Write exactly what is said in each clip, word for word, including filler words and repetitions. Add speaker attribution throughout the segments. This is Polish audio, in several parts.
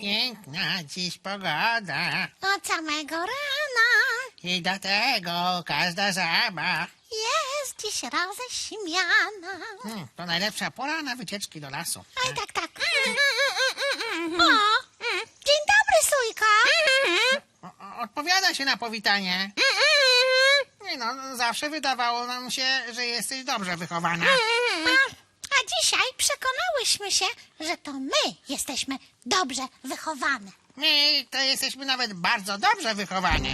Speaker 1: Piękna dziś pogoda
Speaker 2: Od samego rana
Speaker 1: i do tego każda żaba.
Speaker 2: jest dziś roześmiana.
Speaker 1: Hmm, to najlepsza pora na wycieczki do lasu.
Speaker 2: Oj, tak, tak. O, dzień dobry, Sójko.
Speaker 1: O, o, odpowiada się na powitanie. Nie no, zawsze wydawało nam się, że jesteś dobrze wychowana.
Speaker 2: A, a dzisiaj przekonałyśmy się, że to my jesteśmy dobrze wychowane.
Speaker 1: My to jesteśmy nawet bardzo dobrze wychowane.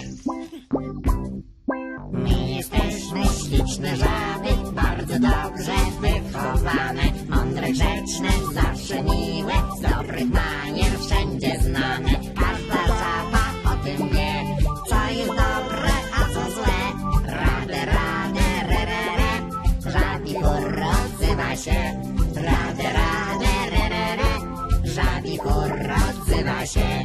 Speaker 3: My jesteśmy śliczne żaby, bardzo dobrze wychowane, mądre, grzeczne, zawsze miłe, z dobrych manier wszędzie znane. Każda żaba o tym wie, co jest dobre, a co złe. Radę, radę, re, re, re, żabi chór odzywa się. Radę, radę, re, re, re, żabi chór odzywa się.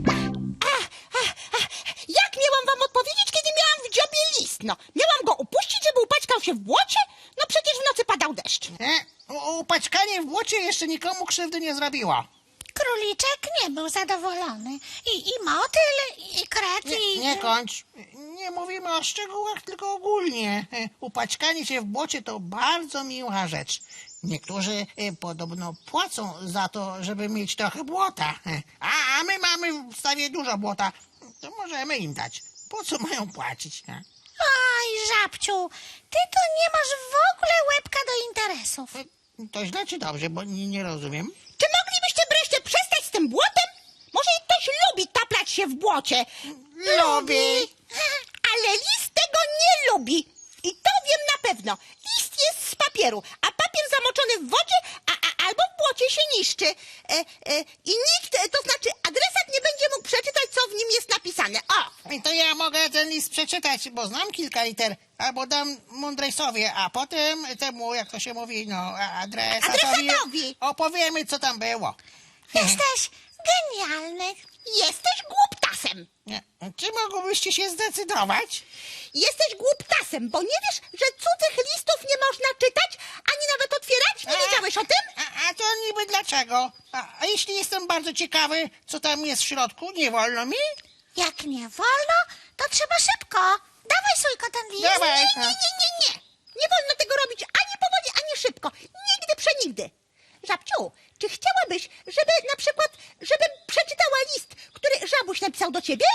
Speaker 4: Jak miałam wam odpowiedzieć, kiedy miałam w dziobie list? No, miałam go upuścić, żeby upaćkał się w błocie? No przecież w nocy padał deszcz.
Speaker 1: E, u- upaćkanie w błocie jeszcze nikomu krzywdy nie zrobiło.
Speaker 2: Króliczek nie był zadowolony. I, i motyl, i kret,
Speaker 1: Nie,
Speaker 2: i...
Speaker 1: nie kończ. Nie mówimy o szczegółach, tylko ogólnie. E, Upaćkanie się w błocie to bardzo miła rzecz. Niektórzy e, podobno płacą za to, żeby mieć trochę błota. E, A, a my mamy w stawie dużo błota. To możemy im dać. Po co mają płacić? E?
Speaker 2: Oj, żabciu, ty to nie masz w ogóle łebka do interesów.
Speaker 1: E, To źle czy dobrze, bo nie, nie rozumiem.
Speaker 4: Czy moglibyście wreszcie przestać z tym błotem? Może ktoś lubi taplać się w błocie.
Speaker 1: Lubi.
Speaker 4: Ale list tego nie lubi. I to wiem na pewno. List jest z papieru, a papier zamoczony w wodzie a, a, albo w błocie się niszczy. E, e, I nikt, e, to znaczy adresat nie będzie mógł przeczytać, co w nim jest napisane. O!
Speaker 1: I to ja mogę ten list przeczytać, bo znam kilka liter. Albo dam mądrej sowie, a potem temu, jak to się mówi, no, adresatowi,
Speaker 4: Adresatowi.
Speaker 1: opowiemy, co tam było.
Speaker 2: Jesteś genialny.
Speaker 4: Jesteś głuptasem.
Speaker 1: Nie. Czy mogłybyście się zdecydować?
Speaker 4: Jesteś głuptasem, bo nie wiesz, że cudzych listów nie można czytać, ani nawet otwierać? Nie wiedziałeś o tym?
Speaker 1: A, a to niby dlaczego? A, a jeśli jestem bardzo ciekawy, co tam jest w środku, nie wolno mi?
Speaker 2: Jak nie wolno, to trzeba szybko. Dawaj, Sójko, ten list.
Speaker 1: Dawaj.
Speaker 4: Nie, nie, nie, nie, nie. Nie wolno tego robić ani powoli, ani szybko. Nigdy przenigdy. Żabciu, czy chciałabyś, żeby na przykład, żebym przeczytała list, który żabuś napisał do ciebie?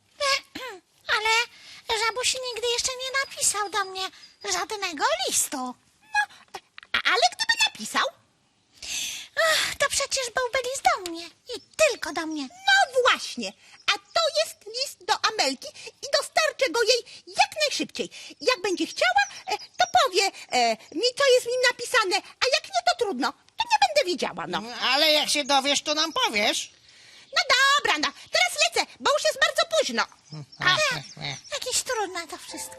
Speaker 2: Ale żabuś nigdy jeszcze nie napisał do mnie żadnego listu.
Speaker 4: No, a, ale gdyby napisał?
Speaker 2: Ach, to przecież byłby list do mnie. I tylko do mnie.
Speaker 4: No właśnie. A to jest list do Amelki i dostarczę go jej jak najszybciej. Jak będzie chciała, e, to powie e, mi, co jest w nim napisane, a jak nie, to trudno. To nie będę wiedziała, no.
Speaker 1: Ale jak się dowiesz, to nam powiesz.
Speaker 4: No dobra, no. Teraz lecę, bo już jest bardzo późno.
Speaker 1: A,
Speaker 2: Jakieś trudne to wszystko.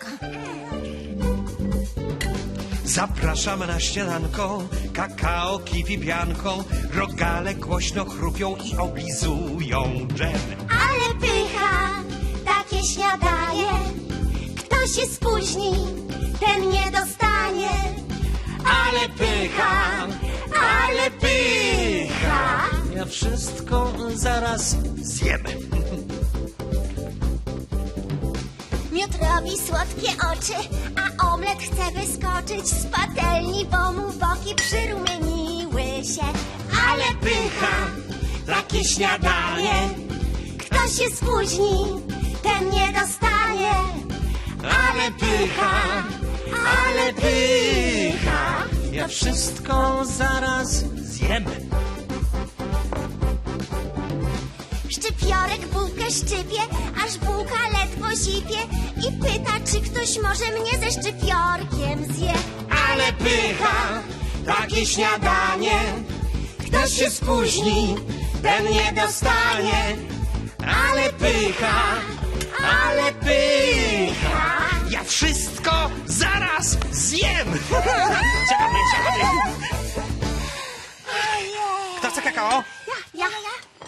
Speaker 5: Zapraszamy na śniadanko, kakao, kiwi, pianką. Rogale głośno chrupią i oblizują dżem.
Speaker 6: Ale pycha, takie śniadanie. Kto się spóźni, ten nie dostanie.
Speaker 5: Ale pycha, ale pycha. Ja wszystko zaraz zjem.
Speaker 6: Miód robi słodkie oczy, a omlet chce wyskoczyć z patelni, bo mu boki przyrumieniły się. Ale pycha,
Speaker 5: Takie śniadanie.
Speaker 6: kto się spóźni, ten nie dostanie.
Speaker 5: Ale pycha, ale pycha. Ja wszystko zaraz zjem.
Speaker 6: Szczypiorek bułkę szczypie, aż bułka ledwo zipie i pyta, czy ktoś może mnie ze szczypiorkiem zje.
Speaker 5: Ale pycha, takie śniadanie. Kto się spóźni, ten nie dostanie. Ale pycha, ale pycha. Ja wszystko zaraz zjem. Ciekawe, ciekawe. Kto chce kakao?
Speaker 4: Ja, ja.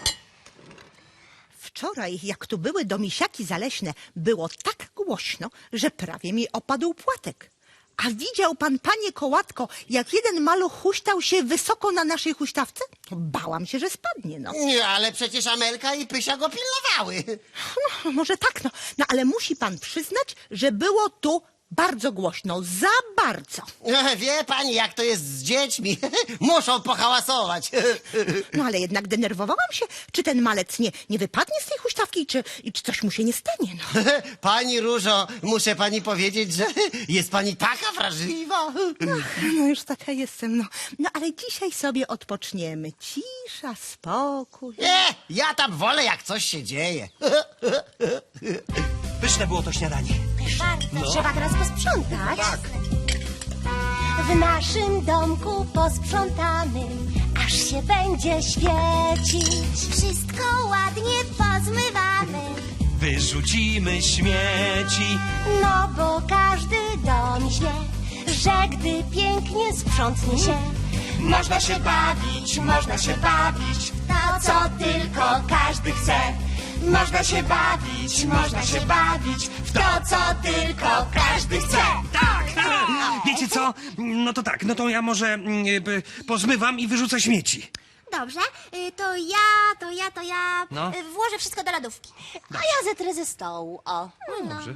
Speaker 4: Wczoraj, jak tu były domisiaki zaleśne, było tak głośno, że prawie mi opadł płatek. A widział pan, panie Kołatko, jak jeden maluch huśtał się wysoko na naszej huśtawce? Bałam się, że spadnie, no.
Speaker 5: Nie, ale przecież Amelka i Pysia go pilnowały.
Speaker 4: No, może tak, no. No, ale musi pan przyznać, że było tu bardzo głośno, za bardzo.
Speaker 5: Wie pani, jak to jest z dziećmi. Muszą pohałasować.
Speaker 4: No, ale jednak denerwowałam się, czy ten malec nie, nie wypadnie z tej huśtawki, czy, i czy coś mu się nie stanie, no.
Speaker 5: Pani Różo, muszę pani powiedzieć, że jest pani taka wrażliwa.
Speaker 4: No już taka jestem, no. No, ale dzisiaj sobie odpoczniemy. Cisza, spokój.
Speaker 5: Nie, ja tam wolę, jak coś się dzieje.
Speaker 7: Pyszne było to śniadanie.
Speaker 6: Bardzo. Trzeba teraz posprzątać. Tak. W naszym domku posprzątamy, aż się będzie świecić. Wszystko ładnie pozmywamy,
Speaker 7: Wyrzucimy śmieci.
Speaker 6: no bo każdy dom wie, że gdy pięknie sprzątnie się,
Speaker 7: Można się bawić, można się bawić w
Speaker 6: to co tylko każdy chce.
Speaker 7: Można się bawić, można się bawić w to, co tylko każdy chce. Tak! Wiecie co? No to tak, no to ja może mm, y, pozmywam i wyrzucę śmieci.
Speaker 6: Dobrze, y, to ja, to ja, to ja
Speaker 7: No.
Speaker 6: y, włożę wszystko do lodówki. A ja zetrę ze stołu, o. No.
Speaker 7: Dobrze.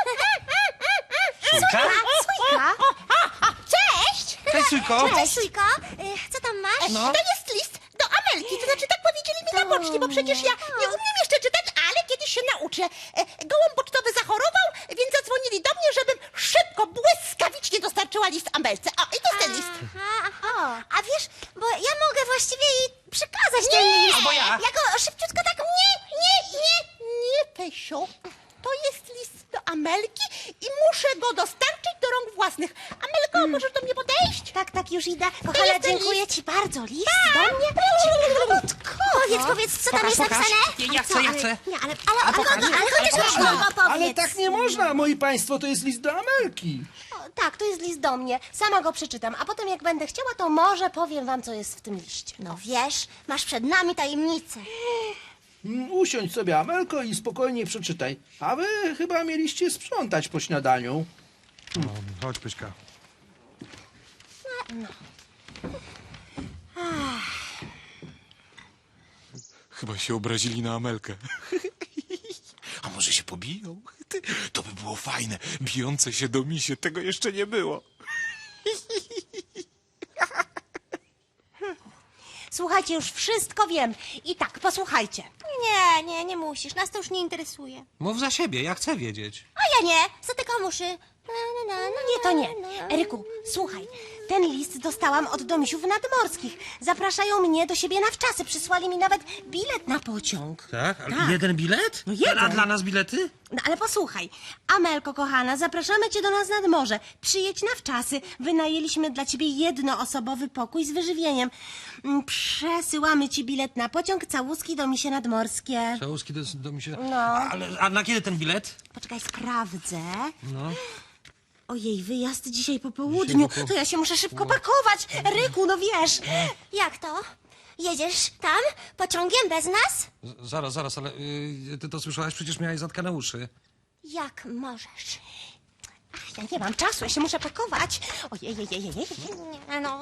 Speaker 6: Sójka,
Speaker 7: Sójka?
Speaker 6: Sójka. Cześć!
Speaker 7: Cześć, Sójko.
Speaker 6: Cześć, Sójko. Y, Co tam masz?
Speaker 7: No.
Speaker 4: To jest list do Amelki, to znaczy tak powiedzieli mi na poczcie, bo przecież ja nie umiem jeszcze czytać, ale kiedyś się nauczę. E, Gołąb pocztowy zachorował, więc zadzwonili do mnie, żebym szybko, błyskawicznie dostarczyła list Amelce. O, i to jest ten list.
Speaker 6: Aha, aha. A wiesz, bo ja mogę właściwie jej przekazać ten list.
Speaker 7: albo ja.
Speaker 6: Ja go szybciutko tak... Nie, nie, nie.
Speaker 4: Nie, Pysiu, to jest list do Amelki i muszę go dostarczyć do rąk własnych. Amelko, możesz do mnie podejść?
Speaker 6: Tak, tak, już idę.
Speaker 4: To
Speaker 6: Kochana,
Speaker 4: jest ten
Speaker 6: dziękuję
Speaker 4: list.
Speaker 6: ci bardzo. List
Speaker 4: Tak.
Speaker 6: do mnie. Powiedz, powiedz, co tam
Speaker 7: Pokaż,
Speaker 6: jest
Speaker 7: pokaż.
Speaker 6: napisane?
Speaker 7: Ja- ja
Speaker 6: A co?
Speaker 7: chcę, ja chcę.
Speaker 6: Nie, ale, ale, ale, ale, ale, ale chociaż
Speaker 7: pokaż.
Speaker 6: słowo powiedz.
Speaker 8: Ale tak nie można, moi państwo, to jest list do Amelki.
Speaker 9: O, tak, to jest list do mnie. Sama go przeczytam, a potem jak będę chciała, to może powiem wam, co jest w tym liście.
Speaker 6: No wiesz, masz przed nami tajemnicę.
Speaker 8: Mm, Usiądź sobie, Amelko, i spokojnie przeczytaj. A wy chyba mieliście sprzątać po śniadaniu.
Speaker 7: Chodź, Pyśka.
Speaker 10: Chyba się obrazili na Amelkę. A może się pobiją? Ty, to by było fajne. Bijące się do misie, tego jeszcze nie było.
Speaker 9: Słuchajcie, już wszystko wiem. I tak, posłuchajcie.
Speaker 6: Nie, nie, nie musisz, nas to już nie interesuje.
Speaker 7: Mów za siebie, ja chcę wiedzieć.
Speaker 6: A ja nie, zatykam uszy. Na, na, na, na,
Speaker 9: Nie, to nie.
Speaker 6: na.
Speaker 9: Eryku, słuchaj. Ten list dostałam od domisiów nadmorskich. Zapraszają mnie do siebie na wczasy. Przysłali mi nawet bilet na pociąg.
Speaker 7: Tak? Ale
Speaker 9: Tak.
Speaker 7: jeden bilet?
Speaker 9: No jeden.
Speaker 7: A dla nas bilety?
Speaker 9: No ale posłuchaj, Amelko kochana, zapraszamy cię do nas nad morze. Przyjedź na wczasy. Wynajęliśmy dla ciebie jednoosobowy pokój z wyżywieniem. Mm, Przesyłamy ci bilet na pociąg, całuski do misie nadmorskie.
Speaker 7: Całuski do, do mi się...
Speaker 9: No.
Speaker 7: Ale, a na kiedy ten bilet?
Speaker 9: Poczekaj, sprawdzę.
Speaker 7: No.
Speaker 9: Ojej, wyjazd dzisiaj po południu. To ja się muszę szybko pakować. Ryku, no wiesz.
Speaker 6: Jak to? Jedziesz tam pociągiem bez nas?
Speaker 7: Z- Zaraz, zaraz, ale y, ty to słyszałaś? Przecież miałeś zatkane uszy.
Speaker 6: Jak możesz?
Speaker 9: Ach, ja nie mam czasu, ja się muszę pakować. Ojej, ojej, ojej, ojej.
Speaker 6: Nie, no.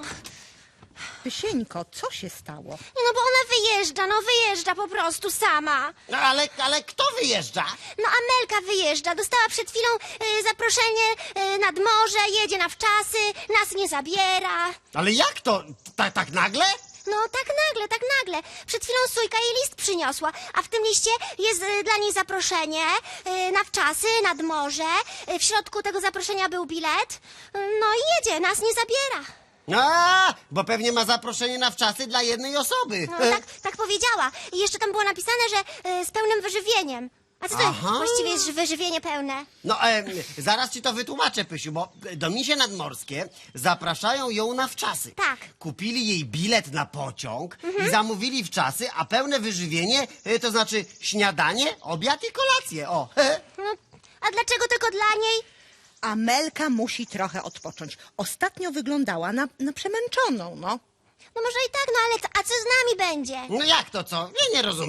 Speaker 4: Pysieńko, co się stało?
Speaker 6: Nie, no bo ona wyjeżdża, no wyjeżdża po prostu sama.
Speaker 5: No ale, ale kto wyjeżdża?
Speaker 6: No Amelka wyjeżdża, dostała przed chwilą y, zaproszenie y, nad morze, jedzie na wczasy, nas nie zabiera.
Speaker 5: Ale jak to? Ta, tak nagle?
Speaker 6: No tak nagle, tak nagle. Przed chwilą Sójka jej list przyniosła, a w tym liście jest y, dla niej zaproszenie y, na wczasy, nad morze. Y, w środku tego zaproszenia był bilet. Y, no i jedzie, nas nie zabiera.
Speaker 5: A, bo pewnie ma zaproszenie na wczasy dla jednej osoby.
Speaker 6: No tak, tak powiedziała. I jeszcze tam było napisane, że y, z pełnym wyżywieniem. A co to
Speaker 5: Aha.
Speaker 6: właściwie jest wyżywienie pełne?
Speaker 5: No, em, zaraz ci to wytłumaczę, Pysiu, bo do misie nadmorskie zapraszają ją na wczasy.
Speaker 6: Tak.
Speaker 5: Kupili jej bilet na pociąg i zamówili wczasy, a pełne wyżywienie, y, to znaczy śniadanie, obiad i kolację, o.
Speaker 6: No, a dlaczego tylko dla niej?
Speaker 4: Amelka musi trochę odpocząć. Ostatnio wyglądała na, na przemęczoną, no.
Speaker 6: No może i tak, no ale co, a co z nami będzie?
Speaker 5: No jak to co? Ja nie rozumiem.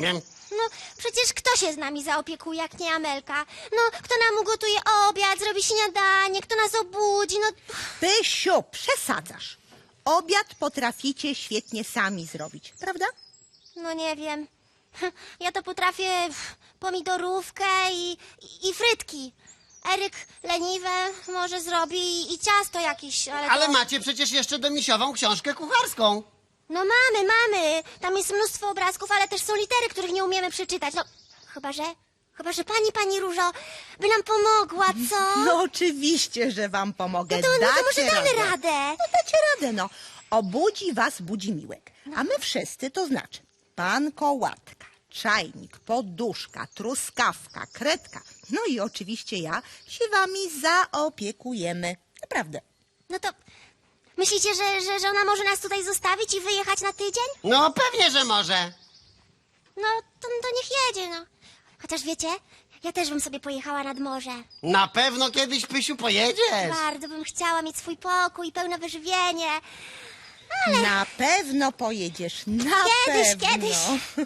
Speaker 6: No, przecież kto się z nami zaopiekuje, jak nie Amelka? No, kto nam ugotuje obiad, zrobi śniadanie, kto nas obudzi, no...
Speaker 4: Pysiu, przesadzasz. Obiad potraficie świetnie sami zrobić, prawda?
Speaker 6: No nie wiem. Ja to potrafię pomidorówkę i, i, i frytki. Eryk leniwe może zrobi i, i ciasto jakieś, ale...
Speaker 5: Ale
Speaker 6: to...
Speaker 5: macie przecież jeszcze domisiową książkę kucharską.
Speaker 6: No mamy, mamy. Tam jest mnóstwo obrazków, ale też są litery, których nie umiemy przeczytać. No, chyba że... Chyba że pani, pani Różo by nam pomogła, co?
Speaker 4: No oczywiście, że wam pomogę.
Speaker 6: No to, no to może
Speaker 4: Dacie
Speaker 6: damy
Speaker 4: radę.
Speaker 6: radę.
Speaker 4: No dacie radę, no. Obudzi was Budzimiłek. A my wszyscy, to znaczy pan Kołatka, czajnik, poduszka, truskawka, kredka, no i oczywiście ja, się wami zaopiekujemy. Naprawdę.
Speaker 6: No to myślicie, że, że, że ona może nas tutaj zostawić i wyjechać na tydzień?
Speaker 5: No pewnie, że może.
Speaker 6: No to, to niech jedzie, no. Chociaż wiecie, ja też bym sobie pojechała nad morze.
Speaker 5: Na pewno kiedyś, Pysiu, pojedziesz.
Speaker 6: Bardzo bym chciała mieć swój pokój, pełne wyżywienie.
Speaker 4: Na pewno pojedziesz, na
Speaker 6: Kiedyś,
Speaker 4: pewno.
Speaker 6: kiedyś.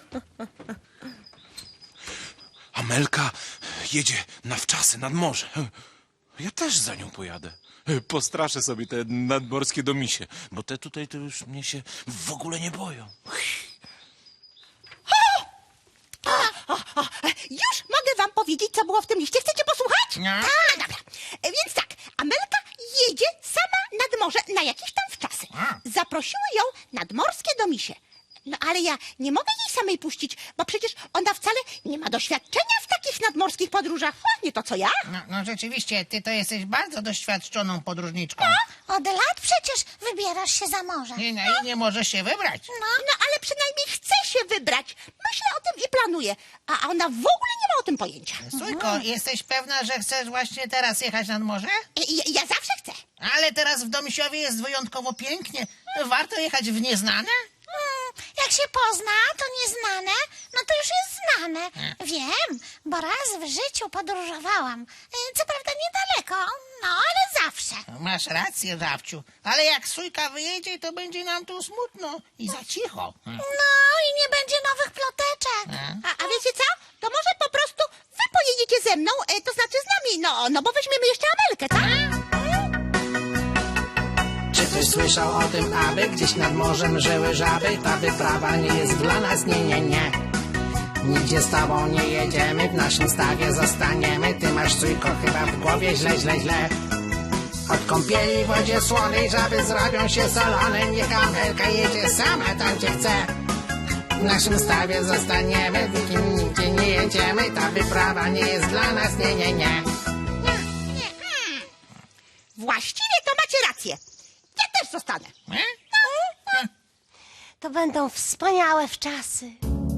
Speaker 10: Amelka jedzie na wczasy nad morze. Ja też za nią pojadę. Postraszę sobie te nadmorskie domisie, bo te tutaj to już mnie się w ogóle nie boją.
Speaker 4: O, o, już mogę wam powiedzieć, co było w tym liście. Chcecie posłuchać?
Speaker 1: No.
Speaker 4: A, dobra. E, Więc tak, Amelka jedzie sama nad morze na jakieś tam wczasy. Zaprosiły ją nadmorskie domisie. No ale ja nie mogę jej samej puścić, bo przecież ona wcale nie ma doświadczenia w takich nadmorskich podróżach. O, nie to co ja.
Speaker 1: No, no rzeczywiście, ty to jesteś bardzo doświadczoną podróżniczką.
Speaker 2: Od lat przecież wybierasz się za morze.
Speaker 1: I, no, i nie możesz się wybrać.
Speaker 4: No, no ale przynajmniej chce się wybrać. Myślę o tym i planuję. A ona w ogóle nie ma o tym pojęcia.
Speaker 1: Sójko, jesteś pewna, że chcesz właśnie teraz jechać nad morze?
Speaker 4: Ja, ja zawsze chcę.
Speaker 1: Ale teraz w Domisiowie jest wyjątkowo pięknie. Warto jechać w nieznane?
Speaker 2: Mm, jak się pozna to nieznane, no to już jest znane. Wiem, bo raz w życiu podróżowałam. Y, Co prawda niedaleko, no ale zawsze.
Speaker 1: Masz rację, Żabciu. Ale jak Sójka wyjedzie, to będzie nam tu smutno i za cicho.
Speaker 2: No i nie będzie nowych ploteczek.
Speaker 4: A, a wiecie co? To może po prostu wy pojedziecie ze mną, e, to znaczy z nami. No, no bo weźmiemy jeszcze Amelkę, tak?
Speaker 11: Czy ktoś słyszał o tym, aby gdzieś nad morzem żyły żaby? Ta wyprawa nie jest dla nas, nie, nie, nie. Nigdzie z tobą nie jedziemy, w naszym stawie zostaniemy. Ty masz, Sójko, chyba w głowie źle, źle, źle. Od kąpieli w wodzie słonej żaby zrobią się solone. Niech Amelka jedzie sama tam, gdzie chce. W naszym stawie zostaniemy, w nikim nigdzie nie jedziemy. Ta wyprawa nie jest dla nas, nie, nie, nie.
Speaker 4: Właściwie to macie rację. Ja też zostanę.
Speaker 9: To będą wspaniałe wczasy.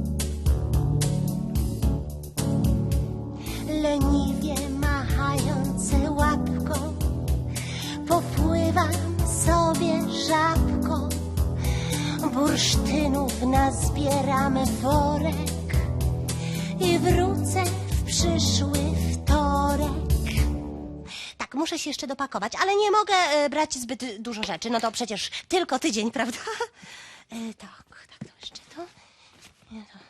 Speaker 9: Leniwie machające łapką, popływam sobie żabką. Bursztynów nazbieramy worek i wrócę w przyszły wtorek. Tak, muszę się jeszcze dopakować, ale nie mogę e, brać zbyt dużo rzeczy. No to przecież tylko tydzień, prawda? E, tak, tak, to jeszcze to. Nie, to.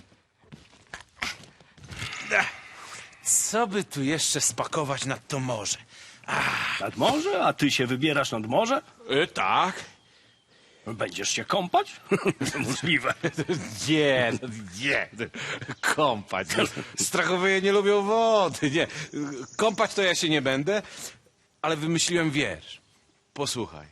Speaker 7: Co by tu jeszcze spakować nad to morze?
Speaker 12: Nad morze? A ty się wybierasz nad morze?
Speaker 10: E, tak.
Speaker 12: Będziesz się kąpać? Możliwe.
Speaker 10: Nie, no nie. Kąpać. No. Strachowie nie lubią wody. Nie. Kąpać to ja się nie będę, ale wymyśliłem wiersz. Posłuchaj.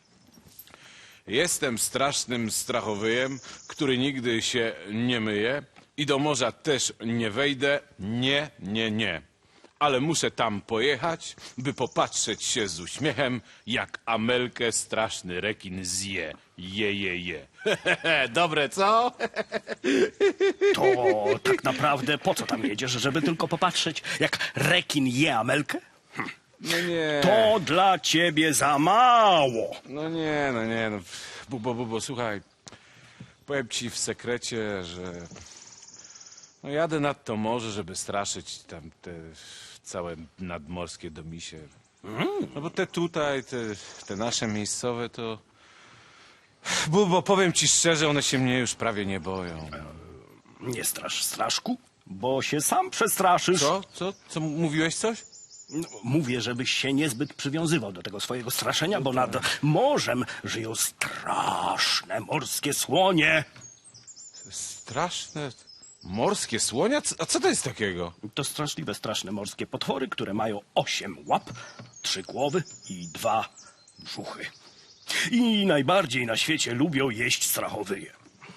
Speaker 10: Jestem strasznym strachowyjem, który nigdy się nie myje i do morza też nie wejdę. Nie, nie, nie. Ale muszę tam pojechać, by popatrzeć się z uśmiechem, jak Amelkę straszny rekin zje. Je, je, je. Dobre, co?
Speaker 12: To tak naprawdę po co tam jedziesz? Żeby tylko popatrzeć, jak rekin je Amelkę? Hm.
Speaker 10: No nie.
Speaker 12: To dla ciebie za mało.
Speaker 10: No nie, no nie. No. Bubo, bubo, słuchaj. Powiem ci w sekrecie, że no jadę nad to morze, żeby straszyć tam te całe nadmorskie domisie. No bo te tutaj, te, te nasze miejscowe to... Bubo, powiem ci szczerze, one się mnie już prawie nie boją.
Speaker 12: Nie strasz straszku, bo się sam przestraszysz.
Speaker 10: Co? Co? Co? Mówiłeś coś?
Speaker 12: No, mówię, żebyś się niezbyt przywiązywał do tego swojego straszenia, bo nad morzem żyją straszne morskie słonie.
Speaker 10: Straszne morskie słonia? A co to jest takiego?
Speaker 12: To straszliwe, straszne morskie potwory, które mają osiem łap, trzy głowy i dwa brzuchy. I najbardziej na świecie lubią jeść strachowyje.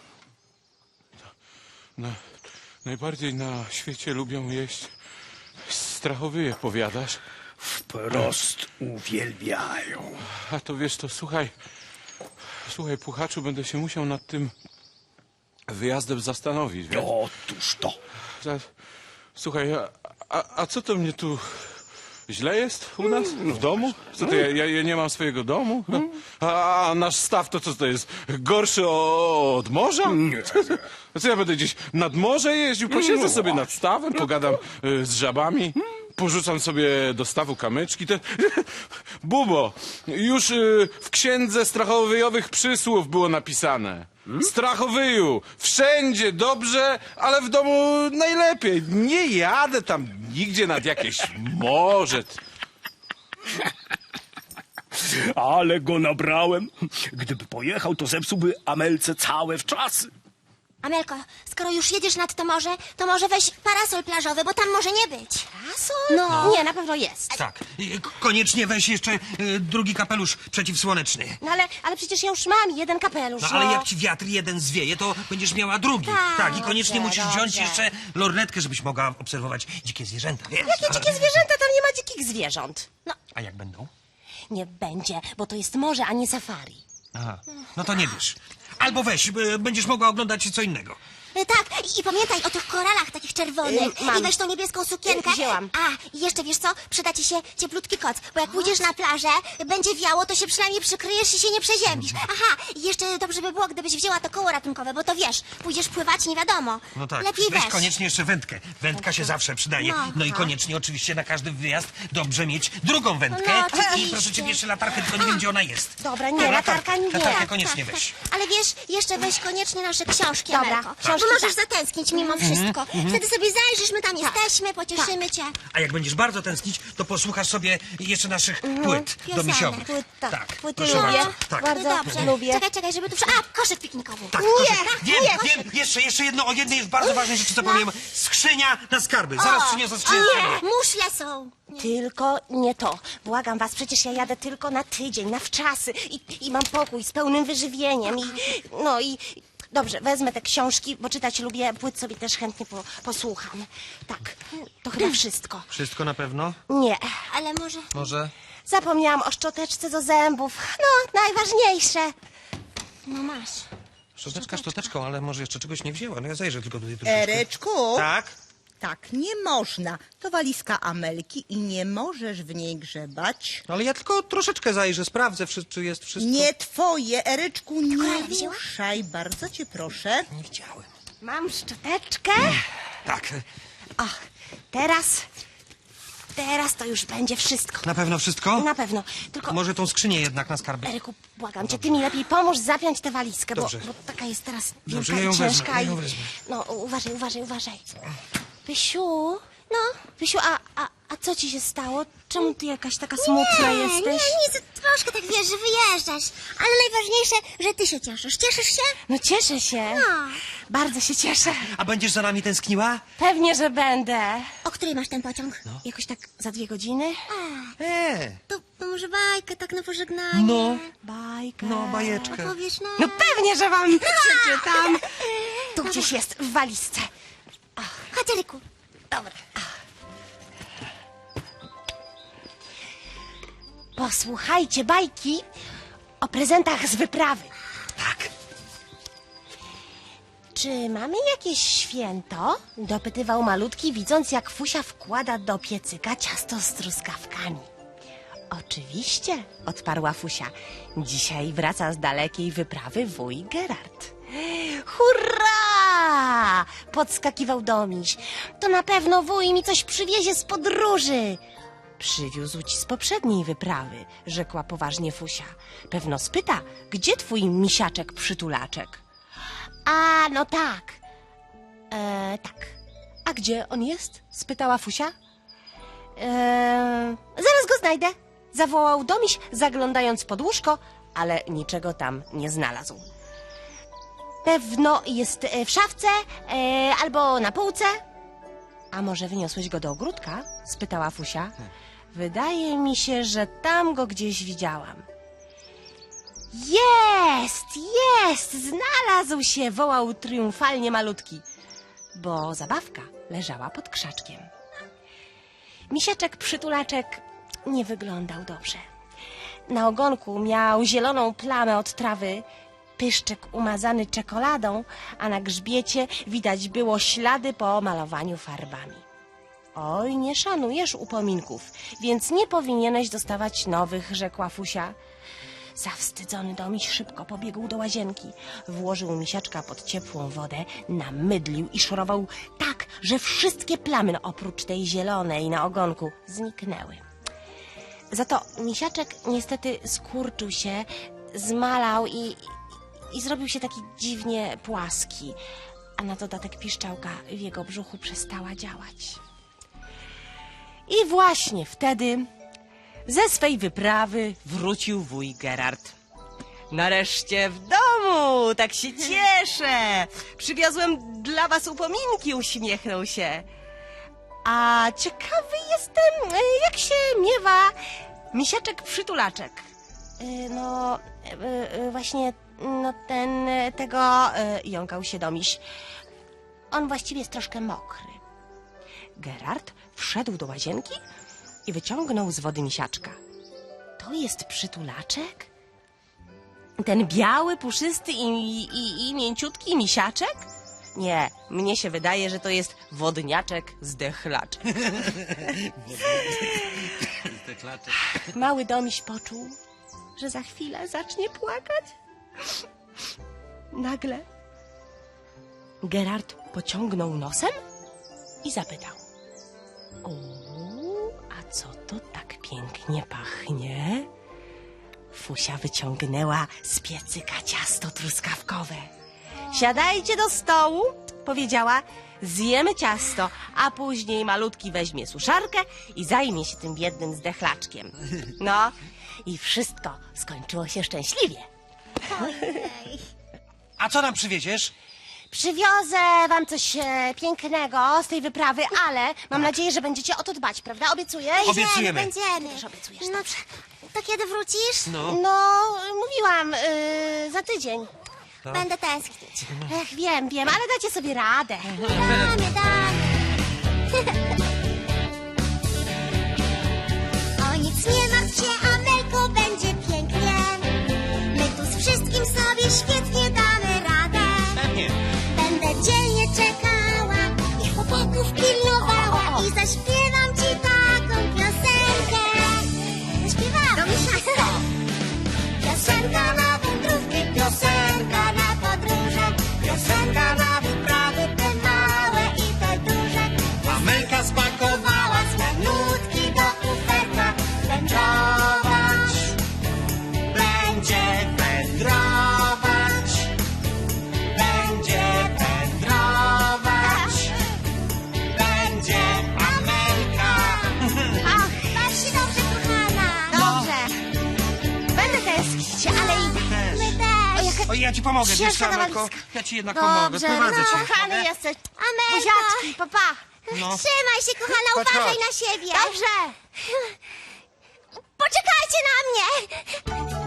Speaker 10: No, najbardziej na świecie lubią jeść strachowyje, powiadasz?
Speaker 12: Wprost uwielbiają.
Speaker 10: A to wiesz, to słuchaj, słuchaj, Puchaczu, będę się musiał nad tym wyjazdem zastanowić, wiesz?
Speaker 12: Otóż to.
Speaker 10: Za- Słuchaj, a, a, a co to mnie tu źle jest u nas? W domu? Co to, ja, ja, ja nie mam swojego domu? No. A, a nasz staw to co to jest? Gorszy o, od morza?
Speaker 12: Nie.
Speaker 10: A co ja będę gdzieś nad morze jeździł? Posiedzę sobie nad stawem, pogadam y, z żabami. Porzucam sobie do stawu kamyczki. Te... Bubo, już y, w księdze strachowyjowych przysłów było napisane. Strachowyju, wszędzie dobrze, ale w domu najlepiej. Nie jadę tam nigdzie nad jakieś morze.
Speaker 12: Ale go nabrałem. Gdyby pojechał, to zepsułby Amelce całe wczasy.
Speaker 6: Amelko, skoro już jedziesz nad to morze, to może weź parasol plażowy, bo tam może nie być. Parasol? No, nie, na pewno jest.
Speaker 7: Tak. I k- Koniecznie weź jeszcze y, drugi kapelusz przeciwsłoneczny.
Speaker 9: No ale, ale przecież ja już mam jeden kapelusz.
Speaker 7: No ale jak ci wiatr jeden zwieje, to będziesz miała drugi.
Speaker 9: Tak,
Speaker 7: i koniecznie
Speaker 9: dobrze,
Speaker 7: musisz wziąć
Speaker 9: dobrze.
Speaker 7: jeszcze lornetkę, żebyś mogła obserwować dzikie zwierzęta. Wiesz?
Speaker 9: Jakie dzikie zwierzęta? Tam nie ma dzikich zwierząt. No,
Speaker 7: A jak będą?
Speaker 9: nie będzie, bo to jest morze, a nie safari.
Speaker 7: Aha. No to nie wiesz. Albo weź, y, będziesz mogła oglądać co innego.
Speaker 6: Y, Tak, i, i pamiętaj o tych koralach takich czerwonych.
Speaker 9: Y, mam.
Speaker 6: I weź tą niebieską sukienkę.
Speaker 9: Y, wzięłam.
Speaker 6: A, i jeszcze wiesz co? Przyda ci się cieplutki koc, bo jak pójdziesz na plażę, będzie wiało, to się przynajmniej przykryjesz i się nie przeziębisz. Aha, i jeszcze dobrze by było, gdybyś wzięła to koło ratunkowe, bo to wiesz, pójdziesz pływać, nie wiadomo.
Speaker 7: No tak.
Speaker 6: Lepiej
Speaker 7: weź
Speaker 6: weź.
Speaker 7: koniecznie jeszcze wędkę. Wędka się zawsze przydaje.
Speaker 6: No,
Speaker 7: No i
Speaker 6: tak.
Speaker 7: koniecznie oczywiście na każdy wyjazd dobrze mieć drugą wędkę.
Speaker 6: No, oczywiście.
Speaker 7: I proszę cię jeszcze latarkę, tylko nie wiem gdzie ona jest.
Speaker 9: Dobra, nie, latarka nie.
Speaker 7: Latarkę koniecznie
Speaker 6: Tak,
Speaker 7: weź.
Speaker 6: tak. Ale wiesz, jeszcze weź koniecznie nasze książki,
Speaker 9: Dobra,
Speaker 6: Amelko.
Speaker 9: książki,
Speaker 6: Bo możesz
Speaker 9: tak.
Speaker 6: zatęsknić mimo wszystko. Wtedy sobie zajrzysz, my tam jesteśmy, pocieszymy cię.
Speaker 7: A jak będziesz bardzo tęsknić, to posłuchasz sobie jeszcze naszych płyt
Speaker 6: Piosenek.
Speaker 7: domisiowych.
Speaker 9: Płyt, tak.
Speaker 7: tak.
Speaker 9: Płyty
Speaker 7: proszę
Speaker 9: lubię.
Speaker 7: bardzo. Tak.
Speaker 9: Bardzo
Speaker 6: No dobrze.
Speaker 9: lubię.
Speaker 6: Czekaj, czekaj, żeby tu... przy- A, koszyk piknikowy.
Speaker 7: Tak,
Speaker 6: nie,
Speaker 7: proszę. Wiem,
Speaker 6: nie,
Speaker 7: wiem, jeszcze, jeszcze jedno, o jednej jest bardzo ważnej rzeczy, co powiem. Skrzynia na skarby. Zaraz przyniosę skrzynię.
Speaker 6: Nie, muszle są.
Speaker 9: Tylko nie to. Błagam was, przecież ja jadę tylko na tydzień, na wczasy i, i mam pokój z pełnym wyżywieniem i no i dobrze, wezmę te książki, bo czytać lubię, płyt sobie też chętnie po, posłucham. Tak, to chyba wszystko.
Speaker 7: Wszystko na pewno?
Speaker 9: Nie,
Speaker 6: Ale może...
Speaker 7: Może?
Speaker 9: zapomniałam o szczoteczce do zębów. No, najważniejsze.
Speaker 6: No masz.
Speaker 7: Szczoteczka szczoteczką, ale może jeszcze czegoś nie wzięła. No ja zajrzę tylko tutaj troszeczkę.
Speaker 4: Ereczku,
Speaker 7: Tak?
Speaker 4: tak nie można. To walizka Amelki i nie możesz w niej grzebać.
Speaker 7: No ale ja tylko troszeczkę zajrzę, sprawdzę, wszy- czy jest wszystko.
Speaker 4: Nie twoje, Ereczku, nie
Speaker 6: korale wzięła?
Speaker 4: ruszaj, bardzo cię proszę.
Speaker 7: Nie widziałem.
Speaker 9: Mam szczoteczkę.
Speaker 7: Tak,
Speaker 9: O, teraz, teraz to już będzie wszystko.
Speaker 7: na pewno wszystko?
Speaker 9: Na pewno, tylko...
Speaker 7: Może tą skrzynię jednak na skarby.
Speaker 9: Eryku, błagam cię, ty mi lepiej pomóż zapiąć tę walizkę, bo,
Speaker 7: Dobrze.
Speaker 9: bo taka jest teraz
Speaker 7: Dobrze,
Speaker 9: wielka
Speaker 7: ja ją
Speaker 9: i
Speaker 7: wezmę,
Speaker 9: ciężka.
Speaker 7: ja
Speaker 9: i-
Speaker 7: ją wezmę.
Speaker 9: No, uważaj, uważaj, uważaj. Pysiu, no, Pysiu, a, a, a co ci się stało? Czemu ty jakaś taka smutna
Speaker 6: nie,
Speaker 9: jesteś?
Speaker 6: Nie, nic, troszkę tak wiesz, że wyjeżdżasz. Ale najważniejsze, że ty się cieszysz. Cieszysz się?
Speaker 9: No cieszę się.
Speaker 6: No.
Speaker 9: Bardzo się cieszę.
Speaker 7: A będziesz za nami tęskniła?
Speaker 9: Pewnie, że będę.
Speaker 6: O której masz ten pociąg?
Speaker 9: Jakoś tak za dwie godziny?
Speaker 7: E,
Speaker 6: To, to może bajkę tak na pożegnanie.
Speaker 7: no,
Speaker 9: Bajkę.
Speaker 7: no, bajeczkę.
Speaker 6: Powiesz no.
Speaker 9: No pewnie, że wam przeczytam. Tu gdzieś jest, w walizce.
Speaker 6: Chodź, Eryku.
Speaker 9: Dobra. Posłuchajcie bajki o prezentach z wyprawy.
Speaker 7: Tak.
Speaker 9: Czy mamy jakieś święto? Dopytywał malutki, widząc jak Fusia wkłada do piecyka ciasto z truskawkami. Oczywiście, odparła Fusia. Dzisiaj wraca z dalekiej wyprawy wuj Gerard. Hurra! Podskakiwał Domiś. To na pewno wuj mi coś przywiezie z podróży. Przywiózł ci z poprzedniej wyprawy, rzekła poważnie Fusia. Pewno spyta, gdzie twój misiaczek przytulaczek? A, no tak. E, tak. A gdzie on jest? Spytała Fusia. E, zaraz go znajdę. Zawołał Domiś, zaglądając pod łóżko, ale niczego tam nie znalazł. Pewno jest e, w szafce e, albo na półce. A może wyniosłeś go do ogródka? Spytała Fusia. Wydaje mi się, że tam go gdzieś widziałam. Jest, jest, znalazł się, wołał triumfalnie malutki, bo zabawka leżała pod krzaczkiem. Misiaczek przytulaczek nie wyglądał dobrze. Na ogonku miał zieloną plamę od trawy, pyszczek umazany czekoladą, a na grzbiecie widać było ślady po malowaniu farbami. Oj, nie szanujesz upominków, więc nie powinieneś dostawać nowych, rzekła Fusia. Zawstydzony Domiś szybko pobiegł do łazienki. Włożył misiaczka pod ciepłą wodę, namydlił i szorował tak, że wszystkie plamy oprócz tej zielonej na ogonku zniknęły. Za to misiaczek niestety skurczył się, zmalał i, i zrobił się taki dziwnie płaski, a na dodatek piszczałka w jego brzuchu przestała działać. I właśnie wtedy ze swej wyprawy wrócił wuj Gerard. Nareszcie w domu, tak się cieszę. Przywiozłem dla was upominki, uśmiechnął się. A ciekawy jestem, jak się miewa misiaczek przytulaczek. No, właśnie, no ten, tego, jąkał się Domiś. On właściwie jest troszkę mokry. Gerard wszedł do łazienki i wyciągnął z wody misiaczka. To jest przytulaczek? Ten biały, puszysty i, i, i mięciutki misiaczek? Nie, mnie się wydaje, że to jest wodniaczek zdechlaczek. Mały Domiś poczuł, że za chwilę zacznie płakać. Nagle Gerard pociągnął nosem i zapytał: o, a co to tak pięknie pachnie? Fusia wyciągnęła z piecyka ciasto truskawkowe. Siadajcie do stołu, powiedziała, zjemy ciasto, a później malutki weźmie suszarkę i zajmie się tym biednym zdechlaczkiem. No i wszystko skończyło się szczęśliwie.
Speaker 7: A co nam przywieziesz?
Speaker 9: Przywiozę wam coś e, pięknego z tej wyprawy, ale mam nadzieję, że będziecie o to dbać, prawda? Obiecuję?
Speaker 7: Obiecujemy.
Speaker 6: Będziemy.
Speaker 9: Też obiecujesz,
Speaker 6: No,
Speaker 9: dobrze.
Speaker 6: to kiedy wrócisz?
Speaker 7: No.
Speaker 9: No, mówiłam, y, za tydzień.
Speaker 6: Będę tęsknić.
Speaker 9: Ech, wiem, wiem, ale dacie sobie radę.
Speaker 6: Damy, damy. O nic nie martw się, Amelko, będzie pięknie. My tu z wszystkim sobie świetnie damy radę.
Speaker 7: Pewnie.
Speaker 6: Będę dzielnie czekała i chłopaków pilnowała i zaśpiewam ci taką piosenkę. Zaśpiewam. Do miesiąca. Piosenka na wędrówki, piosenka na podróże, piosenka na wyprawy, te małe i te duże.
Speaker 7: Amelka
Speaker 6: Spakowała swe nutki do kuferka, wędrować, będzie wędrować, będzie wędrować, będzie Amelka. Ach, baw się dobrze, kochana.
Speaker 9: Dobrze. Będę tęsknić, ale idę.
Speaker 6: My też.
Speaker 7: O, ja ci pomogę, wiesz
Speaker 9: Ciężka
Speaker 7: co, Amelko?
Speaker 9: walizka.
Speaker 7: Ja ci jednak pomogę,
Speaker 9: Dobrze,
Speaker 7: prowadzę
Speaker 9: no,
Speaker 7: cię.
Speaker 9: kochany
Speaker 7: Mogę?
Speaker 9: jesteś.
Speaker 6: Amelko.
Speaker 9: Buziaczki, papa.
Speaker 7: No.
Speaker 6: Trzymaj się, kochana,
Speaker 7: Chodź,
Speaker 6: uważaj
Speaker 7: chodź.
Speaker 6: na siebie.
Speaker 9: Dobrze.
Speaker 6: Poczekajcie na mnie.